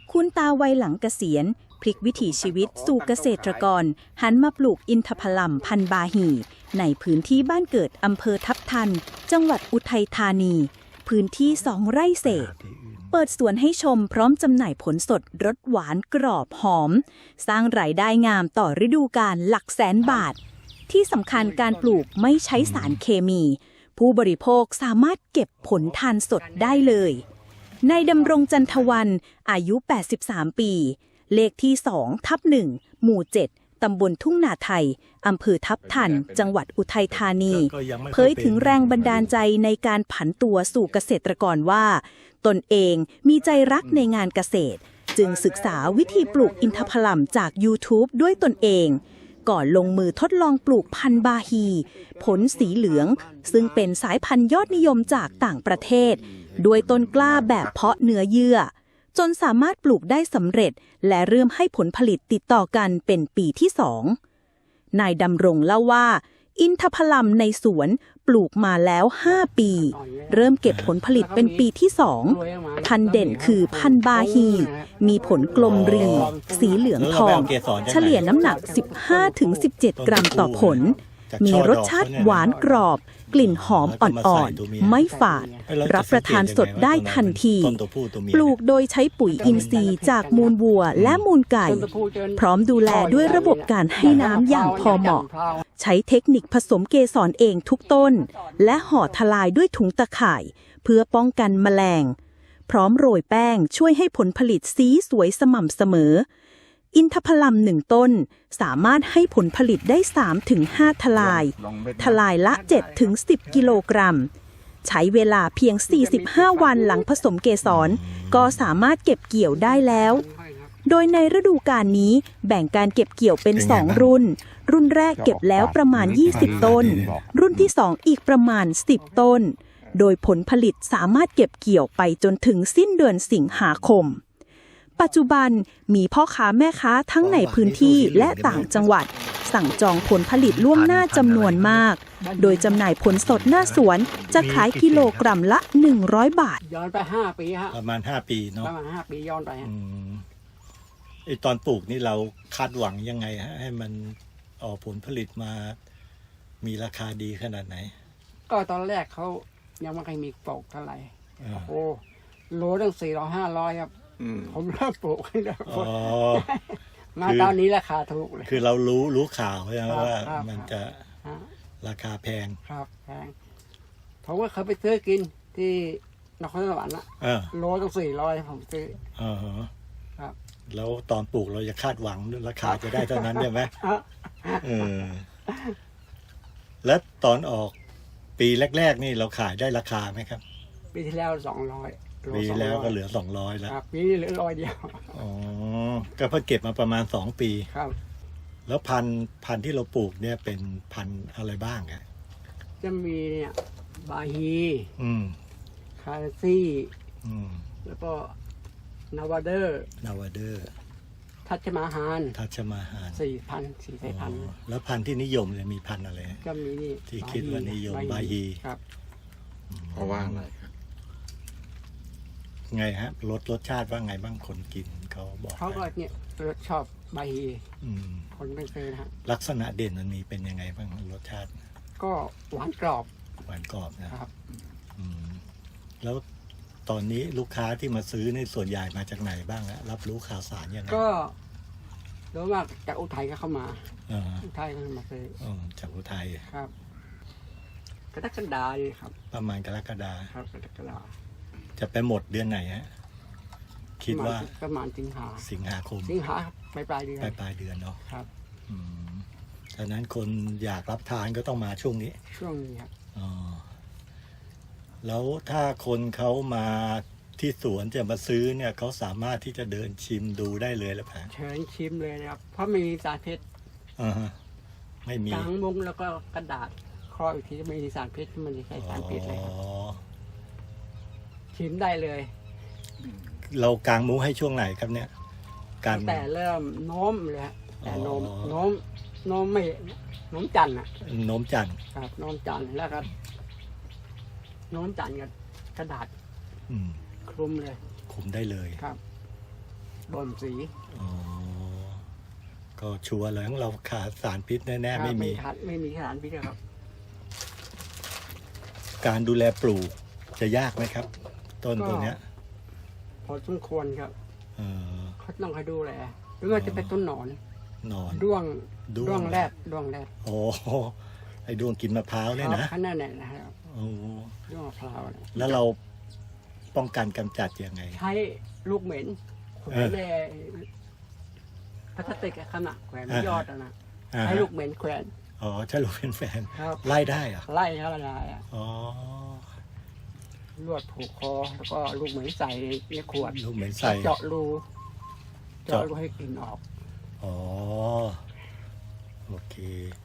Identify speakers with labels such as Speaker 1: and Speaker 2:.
Speaker 1: คุณตาวัยหลังเกษียณพลิกวิถีชีวิตสู่เกษตรกรหันมาปลูกอินทผลัมพันธุ์บาฮีในพื้นที่บ้านเกิดอำเภอทับทันจังหวัดอุทัยธานีพื้นที่2 ไร่เศษเปิดสวนให้ชมพร้อมจำหน่ายผลสดรสหวานกรอบหอมสร้างรายได้งามต่อฤดูกาลหลักแสนบาทที่สำคัญการปลูกไม่ใช้สารเคมีผู้บริโภคสามารถเก็บผลทานสดได้เลยนายดำรงจันทวันอายุ83ปีเลขที่2/1หมู่7ตำบลทุ่งนาไทยอำเภอทับทันจังหวัดอุทัยธานีเผยถึงแรงบันดาลใจในการผันตัวสู่เกษตรกรว่าตนเองมีใจรักในงานเกษตรจึงศึกษาวิธีปลูกอินทผลัมจาก YouTube ด้วยตนเองก่อนลงมือทดลองปลูกพันธุ์บาฮีผลสีเหลืองซึ่งเป็นสายพันธุ์ยอดนิยมจากต่างประเทศด้วยต้นกล้าแบบเพาะเนื้อเยื่อจนสามารถปลูกได้สำเร็จและเริ่มให้ผลผลิตติดต่อกันเป็นปีที่2นายดำรงเล่าว่าอินทผลัมในสวนปลูกมาแล้ว5ปีเริ่มเก็บผลผลิตเป็นปีที่2พันธุ์เด่นคือพันธุ์บาฮีมีผลกลมรีสีเหลืองทองเฉลี่ยน้ำหนัก 15-17 กรัมต่อผลมีรสชาติหวานกรอบกลิ่นหอมอ่อนๆไม่ฝาดรับประทานสดได้ทันทีปลูกโดยใช้ปุ๋ยอินทรีย์จากมูลวัวและมูลไก่พร้อมดูแลด้วยระบบการให้น้ำอย่างพอเหมาะใช้เทคนิคผสมเกสรเองทุกต้นและห่อทลายด้วยถุงตะข่ายเพื่อป้องกันแมลงพร้อมโรยแป้งช่วยให้ผลผลิตสีสวยสม่ำเสมออินทผลัม1ต้นสามารถให้ผลผลิตได้ 3-5 ทลายละ 7-10 กิโลกรัมใช้เวลาเพียง 45 วันหลังผสมเกสรก็สามารถเก็บเกี่ยวได้แล้วโดยในฤดูกาลนี้แบ่งการเก็บเกี่ยวเป็น2รุ่นแรกเก็บแล้วประมาณ20ต้นรุ่นที่2อีกประมาณ10ต้นโดยผลผลิตสามารถเก็บเกี่ยวไปจนถึงสิ้นเดือนสิงหาคมปัจจุบันมีพ่อค้าแม่ค้าทั้งในพื้นที่และต่างจังหวัดสั่งจองผลผลิตล่วงหน้าจำนวนมากโดยจำหน่ายผลสดหน้าสวนจะขายกิโลกรัมละ100 บาท
Speaker 2: ย้อนไป5 ปีฮะ
Speaker 3: ประมาณ5 ปีเนาะ
Speaker 2: ประมาณ5 ปีย้อนไปฮะ
Speaker 3: ไอตอนปลูกนี่เราคาดหวังยังไงฮะให้มันออกผลผลิตมามีราคาดีขนาดไหน
Speaker 2: ก็ตอนแรกเขายังไม่เคยมีปลูกเท่าไหร่โอ้โลตั้ง400-500ครับผมเริ่มปลูกให้แล้วมาตอนนี้ราคาถูกเลย
Speaker 3: คือเรารู้ข่าวใช่ไหมว่ามันจะราคาแพง
Speaker 2: ครับแพงผมก็เคยไปซื้อกินที่นครสวรรค์โลตั้ง400ผมซื้อครับ
Speaker 3: แล้วตอนปลูกเราจะคาดหวังราคาจะได้เท่านั้นใช่ไหมและตอนออกปีแรกๆนี่เราขายได้ราคาไหมครับ
Speaker 2: ปีที่แล้ว200
Speaker 3: ปีแล้วก็เหลือ200แล้ว
Speaker 2: ปีนี้เหลือ100เดียว
Speaker 3: อ๋อก็เพิ่งเก็บมาประมาณ2 ปี
Speaker 2: ครับ
Speaker 3: แล้วพันธุ์ที่เราปลูกเนี่ยเป็นพันธุ์อะไรบ้างครับ
Speaker 2: จะมีเนี่ยบาฮีคาซี่แล้วก็นาวาเดอร์ทัชมาฮาน4,000 สายพันธุ์
Speaker 3: แล้วพันธุ์ที่นิยมเนี่ยมีพันธุ์อะไร
Speaker 2: ก็มีนี่
Speaker 3: ที่คิดว่านิยมบาฮี
Speaker 2: ครับ
Speaker 4: เพราะว่าอะไร
Speaker 3: ไงฮะรสชาติว่าไงบ้างคนกินเขาบอก
Speaker 2: เขาก็เนี่ยชอบบาฮีคนไม่เคยนะฮะ
Speaker 3: ลักษณะเด่นมันมีเป็นยังไงบ้างรสชาติ
Speaker 2: ก็หวานกรอบ
Speaker 3: นะครับแล้วตอนนี้ลูกค้าที่มาซื้อในส่วนใหญ่มาจากไหนบ้างฮะรับรู้ข่าวสารยังไง
Speaker 2: ก็รู้ว่าจากอุทัยก็เข้ามาอุทัยก็มาซื้อ
Speaker 3: จากอุทัย
Speaker 2: ครับกรกฎาคมครับ
Speaker 3: ประมาณกรกฎา
Speaker 2: คมกรกฎาคม
Speaker 3: จะไปหมดเดือนไหนฮะคิดว่า
Speaker 2: ประมาณ
Speaker 3: สิงหาคม
Speaker 2: ปลายเดื
Speaker 3: อนเนาะ
Speaker 2: ครับ
Speaker 3: ฉะนั้นคนอยากรับทานก็ต้องมาช่วงนี้
Speaker 2: ครับ
Speaker 3: แล้วถ้าคนเขามาที่สวนจะมาซื้อเนี่ยเขาสามารถที่จะเดินชิมดูได้เลยหรือเปล่า
Speaker 2: เชิญชิมเลยนะครับเพราะมีสารพิษ
Speaker 3: ไม่มี
Speaker 2: กางมุ้งแล้วก็กระดาษครอบอีกทีจะไม่มีสารพิษมันจะใช้สารพิษเลยชิมได้เลย
Speaker 3: เรากางมุ้งให้ช่วงไหนครับเนี่ย
Speaker 2: แต่เริ่มโน้มเลยแต่โน้มไม่โน้มจันทร์
Speaker 3: โน้มจันทร์
Speaker 2: ครับโน้มจันทร์แล้วครับโน้มจันทร์กับกระดาษคลุมเลย
Speaker 3: คลุมได้เลย
Speaker 2: ครับบ่มสี
Speaker 3: อ๋อก็ชัวร์เลยของเราขาดสารพิษแน่ๆไม่มี
Speaker 2: ไม่มีสารพิษครับ
Speaker 3: การดูแลปลูกจะยากไหมครับ ต้นตัวเนี้ย
Speaker 2: พอสมควรครับ
Speaker 3: เออ
Speaker 2: เขาต้องคอยดูแลหรือว่าจะเป็นต้นหนอน
Speaker 3: นอน
Speaker 2: ด้วง
Speaker 3: ด้วง
Speaker 2: แรด
Speaker 3: โอ้ไอ้ดวงกินมะพร้าวเนี่ยนะ
Speaker 2: ขนาดนั้นนะครับ
Speaker 3: โอ้
Speaker 2: ด้วงมะพร้าวเนี่ย
Speaker 3: แล้วเราป้องกันกำจัดยังไง
Speaker 2: ใช้ลูกเหม็นแขว
Speaker 3: เอน อ
Speaker 2: ในพลาสติกอะขนาดแขวนยอดอะนะ
Speaker 3: อ่า
Speaker 2: ใช้ลูกเหม็นแขวน
Speaker 3: อ๋อใช่ลูกเป็นแฟน
Speaker 2: ครับ
Speaker 3: ไล่ได้เหรอ
Speaker 2: ไล่เขาละลายอะ
Speaker 3: อ๋อ
Speaker 2: ลวดผูกคอแล้วก็ลูกเหม็นใส่ในขวด
Speaker 3: ลูกเหม็นใส่
Speaker 2: เจาะรู
Speaker 3: เจาะ
Speaker 2: ให้กลิ่นออก
Speaker 3: อ๋อ โอเค